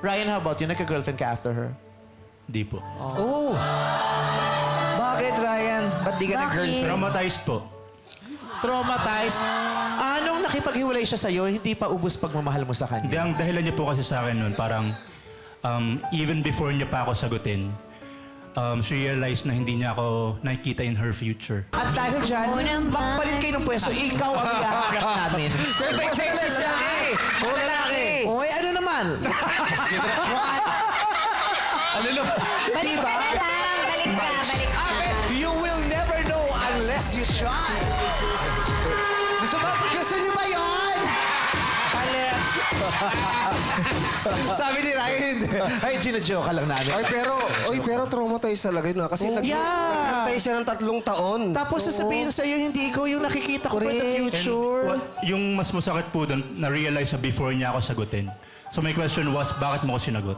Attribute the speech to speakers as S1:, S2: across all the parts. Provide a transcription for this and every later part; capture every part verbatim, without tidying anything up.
S1: Ryan, how about you? Nagka-girlfriend ka after her?
S2: Di po.
S3: Oh! Bakit, Ryan? Ba't di ka
S4: Bakit?
S3: nag-girlfriend?
S2: Traumatized po.
S1: Traumatized? Anong nakipaghiwalay siya sa'yo, hindi pa ubus pagmamahal mo sa
S2: Hindi,
S1: kanya?
S2: ang dahilan niya po kasi sa akin noon, parang um, even before niya pa ako sagutin, um, she realized na hindi niya ako nakikita in her future.
S1: At dahil dyan,
S4: Oo naman.
S1: magpalit kayo ng pwesto, ikaw ang ihahanap namin.
S3: Sir, may sexist lalaki! Puro lalaki!
S1: Oy, ano naman?
S3: Ano naman?
S4: Balik ka na lang. Balik ka, balik ka.
S1: You will never know unless you try.
S3: Gusto ba?
S1: Gusto niyo ba yun? Unless... Sabi ni Ryan, hindi. Ay, gina-joke ka lang namin.
S5: Ay, pero, oy, pero traumatized talaga yun. ah. Kasi
S1: Oh,
S5: nag-
S1: yeah.
S5: nagtay siya ng tatlong taon.
S1: Tapos sasabihin sa'yo, hindi ikaw yung nakikita ko for the
S2: And
S1: future.
S2: wa- yung mas masakit po doon, na-realize na before niya ako sagutin. So my question was, bakit mo ako sinagot?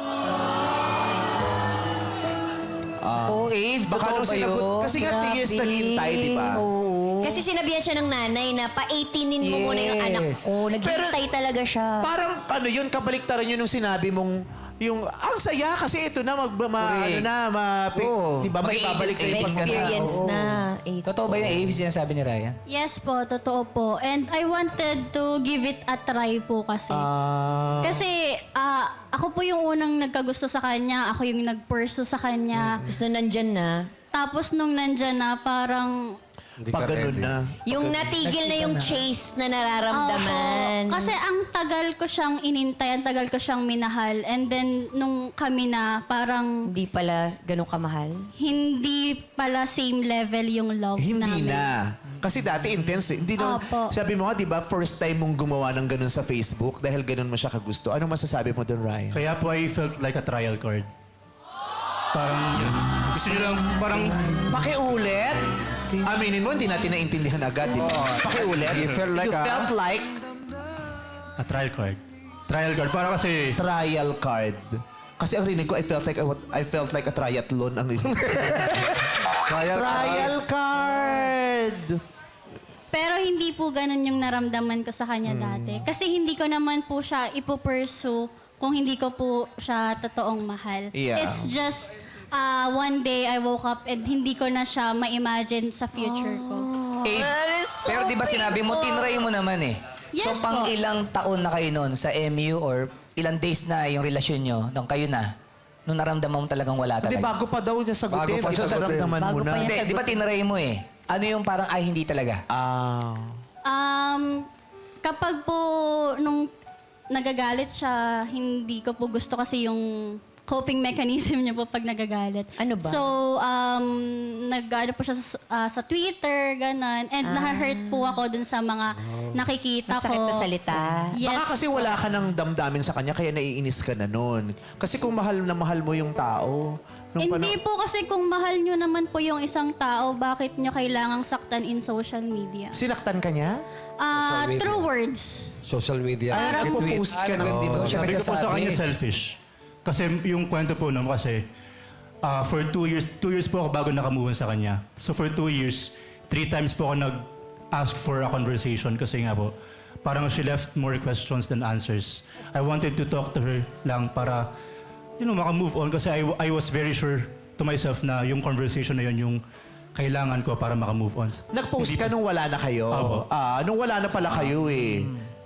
S3: Oh, Ave,
S1: Baka
S3: totoo
S1: nung
S3: ba yun?
S1: sinagot, kasi nga
S4: Grabe.
S1: years naghintay, di ba?
S3: Oo.
S4: Kasi sinabihan siya ng nanay na pa-eighteenin mo muna yung anak
S3: Yes.
S4: ko. Naghintay talaga siya.
S1: Parang ano yun, kabaliktaran yun nung sinabi mong yung ang saya kasi ito na mag ma, ano
S3: Correct.
S1: na ma,
S3: Oo.
S1: di ba may babalik na
S4: May
S1: yung pag-
S4: experience
S3: Oo.
S4: na. Eh,
S3: Totoo ba yung Ave sinasabi ni Ryan?
S6: Yes po, totoo po. And I wanted to give it a try po kasi.
S1: Ah,
S6: Kasi ah, ako po yung unang nagkagusto sa kanya, ako yung nagpurso sa kanya.
S4: Tapos nung nandyan na,
S6: Tapos nung nandyan na, parang...
S5: Hindi
S1: pag
S5: ka
S1: ganun
S5: ready.
S1: na.
S4: yung natigil na yung chase na nararamdaman.
S6: Opo. Kasi ang tagal ko siyang inintay, ang tagal ko siyang minahal. And then, nung kami na, parang
S4: Hindi pala ganun kamahal.
S6: hindi pala same level yung love
S1: Hindi
S6: namin.
S1: na. Kasi dati intense. eh. Hindi naman,
S6: Opo.
S1: sabi mo nga, di ba, first time mong gumawa ng ganun sa Facebook dahil ganun mo siya kagusto. Anong masasabi mo doon, Ryan?
S2: Kaya po I felt like a trial card. Parang yun. Gusto niyo lang, parang
S1: Pakiulit? Aminin mo, hindi natin naintindihan agad, di ba? Pakiulit?
S5: You felt like
S1: you
S5: a-
S1: felt like
S2: a trial card. Trial card. Para kasi,
S1: trial card. Kasi ang rinig ko, I felt like a, I felt like a triathlon ang rinig.
S5: Trial,
S1: trial card!
S6: Pero hindi po ganun yung naramdaman ko sa kanya dati. Kasi hindi ko naman po siya ipupursue kung hindi ko po siya totoong mahal.
S1: Yeah.
S6: It's just uh, one day I woke up and hindi ko na siya ma-imagine sa future ko.
S3: Ave,
S4: That is so
S3: pero di ba sinabi mo,
S4: painful.
S3: tinry mo naman eh.
S6: Yes
S3: so, pang
S6: po.
S3: ilang taon na kayo noon sa M U or ilang days na yung relasyon nyo nung kayo na, nung naramdaman mo talagang wala
S1: Hindi,
S3: talaga?
S1: bago pa daw niya sagutin.
S5: Bago pa
S1: Ito
S5: sagutin.
S1: naramdaman mo
S4: Bago
S1: na.
S4: pa niya
S3: Hindi, di ba tinry mo eh? Ano yung parang, ay, hindi talaga?
S1: Ah.
S6: Um, kapag po nung nagagalit siya, hindi ko po gusto kasi yung coping mechanism niya po pag nagagalit.
S4: Ano ba?
S6: So, um, nag-ano po siya sa, ah, sa Twitter, ganon. And naha-hurt po ako dun sa mga nakikita
S4: Masakit
S6: ko.
S4: na salita.
S6: Yes.
S1: Baka kasi wala ka ng damdamin sa kanya, kaya naiinis ka na nun. Kasi kung mahal na mahal mo yung tao, nung
S6: Hindi
S1: pano-
S6: po kasi kung mahal nyo naman po yung isang tao, bakit nyo kailangang saktan in social media?
S1: Sinaktan ka niya?
S6: Ah,
S5: media.
S6: true words.
S5: social media.
S1: Ay,
S5: and tweet.
S1: nagpo-post ka ng
S3: Ah,
S1: gano'n.
S3: siya
S2: sabi ko po sa
S3: nagsasabi.
S2: kanya selfish. Kasi yung kwento po nun, kasi ah, for two years, two years po ako bago nakamove on sa kanya. So for two years, three times po ako nag-ask for a conversation kasi nga po, parang she left more questions than answers. I wanted to talk to her lang para, you know, makamove on kasi I, I was very sure to myself na yung conversation na yun yung kailangan ko para makamove on.
S1: Nag-post ka nung wala na kayo.
S2: Opo.
S1: Ah, nung wala na pala kayo eh.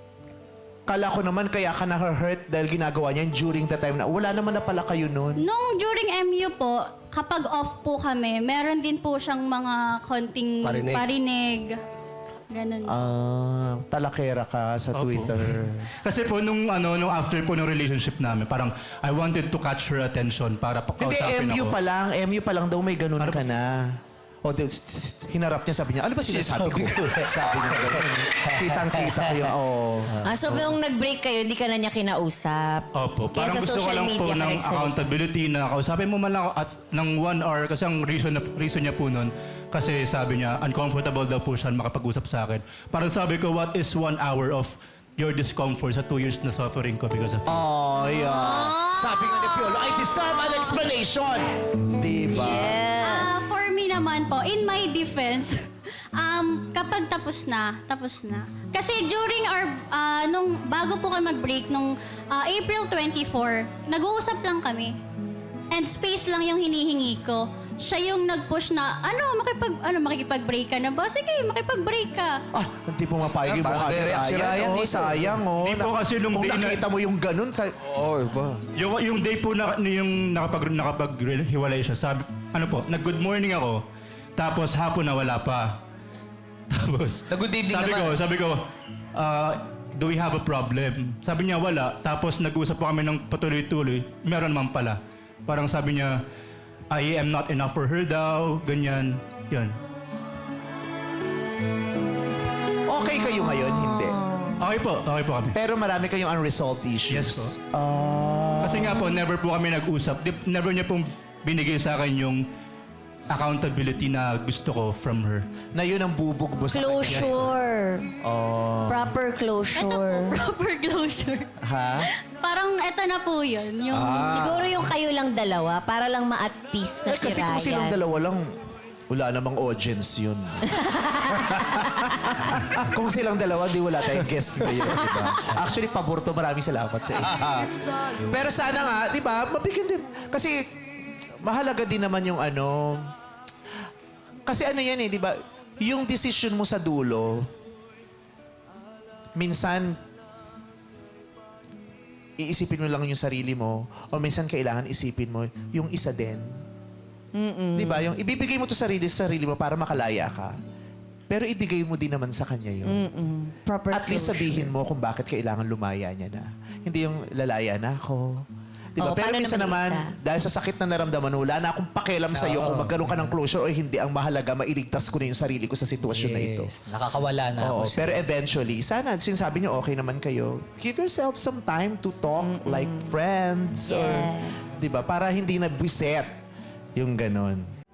S1: Kala ko naman kaya ka na-hurt dahil ginagawa niya during the time na wala naman na pala kayo nun.
S6: Nung during M U po, kapag off po kami, meron din po siyang mga konting
S5: Parinig.
S6: parinig. Ganun.
S1: Ah, talakera ka sa
S2: Opo.
S1: Twitter.
S2: Kasi po nung ano nung after po ng relationship namin, parang I wanted to catch her attention para
S1: Hindi,
S2: pakausapin
S1: M U
S2: ako.
S1: pa lang. M U pa lang daw may ganun
S2: Ano
S1: ka
S2: ba-
S1: na. O, di- hinarap niya, sabi niya, ano ba sinasabi ko? Sabi niya ganun. Kitang-kita ko yung, oh.
S4: Ah, so nung nag-break kayo, hindi ka na niya kinausap?
S2: Opo,
S4: Kaya
S2: parang
S4: sa
S2: gusto ko
S4: social
S2: lang po
S4: media ka
S2: ng
S4: nagsalita.
S2: accountability na kausapin mo man lang ako at ng one hour kasi ang reason, na, reason niya po nun kasi sabi niya uncomfortable daw po siya makapag-usap sa akin. Parang sabi ko, what is one hour of your discomfort sa two years na suffering ko because of you?
S1: Oh, yeah. Sabi nga ni Piolo, I deserve an explanation. Diba?
S6: Ah, for me naman po, in my defense, um, kapag tapos na, tapos na. Kasi during our, ah, nung bago po kami mag-break, nung ah, April twenty-fourth, nag-uusap lang kami. And space lang yung hinihingi ko. Siya yung nag-push na, ano, makipag, ano, makikipag-break ka na ba? Sige, makipag-break ka.
S1: Ah, hindi po mapayag yung
S3: Ah,
S1: mukha
S3: parang
S1: ni
S3: nagre-react si
S1: Ryan.
S3: Ryan
S1: Oh,
S3: dito.
S1: sayang, oh.
S2: Di po
S1: Na-
S2: kasi nung
S1: Kung
S2: day na-
S1: nakita mo yung ganun, sa...
S5: Oo, iba.
S2: Yung, yung day po na yung nakapag, nakapag-hiwalay siya, sabi, ano po, nag-good morning ako, tapos hapon na wala pa. Tapos,
S3: Nag-good evening
S2: sabi
S3: naman.
S2: ko, sabi ko, ah, do we have a problem? Sabi niya, wala. Tapos nag-usap po kami ng patuloy-tuloy, meron naman pala. Parang sabi niya, I am not enough for her daw, ganyan. Yun.
S1: Okay kayo ngayon, hindi.
S2: Okay po, okay po kami.
S1: Pero marami kayong unresolved issues.
S2: Yes po.
S1: Ah,
S2: Kasi nga po, never po kami nag-usap. Di- Never niya pong binigay sa akin yung accountability na gusto ko from her.
S1: na yun ang bubog mo sa kanya.
S4: Closure.
S1: Oh.
S4: Proper
S6: Ito po,
S4: closure.
S6: proper closure.
S1: Ha?
S6: Parang eto na po yun. Yung,
S4: Siguro yung kayo lang dalawa para lang ma-at peace
S1: Eh,
S4: na si
S1: kasi kung
S4: Ryan.
S1: silang dalawa lang, wala namang audience yun. Kung silang dalawa, di wala tayong guest ngayon, di ba? Actually, pabor to. Maraming salamat sa inyo. Pero sana nga, di ba, mabigyan din. Kasi, mahalaga din naman yung ano... Kasi ano yan eh, di ba? Yung decision mo sa dulo, minsan, iisipin mo lang yung sarili mo o minsan kailangan isipin mo yung isa din. Di ba? Yung ibibigay mo to sarili sa sarili mo para makalaya ka. Pero ibigay mo din naman sa kanya yun.
S4: Proper
S1: At least
S4: closure.
S1: sabihin mo kung bakit kailangan lumaya niya na. Hindi yung lalaya na ako. Di ba?
S4: Oo,
S1: Pero
S4: paano
S1: minsan
S4: naman
S1: naman,
S4: isa?
S1: dahil sa sakit na naramdaman mo, wala na akong pakialam sa'yo kung magkaroon ka ng closure o hindi. Ang mahalaga, mailigtas ko na yung sarili ko sa sitwasyon na ito.
S3: Yes, nakakawala na
S1: Oo,
S3: ako. sa-
S1: pero eventually, sana, sinasabi niyo okay naman kayo, give yourself some time to talk like friends. Or,
S4: Yes.
S1: di ba? Para hindi na buset yung ganon.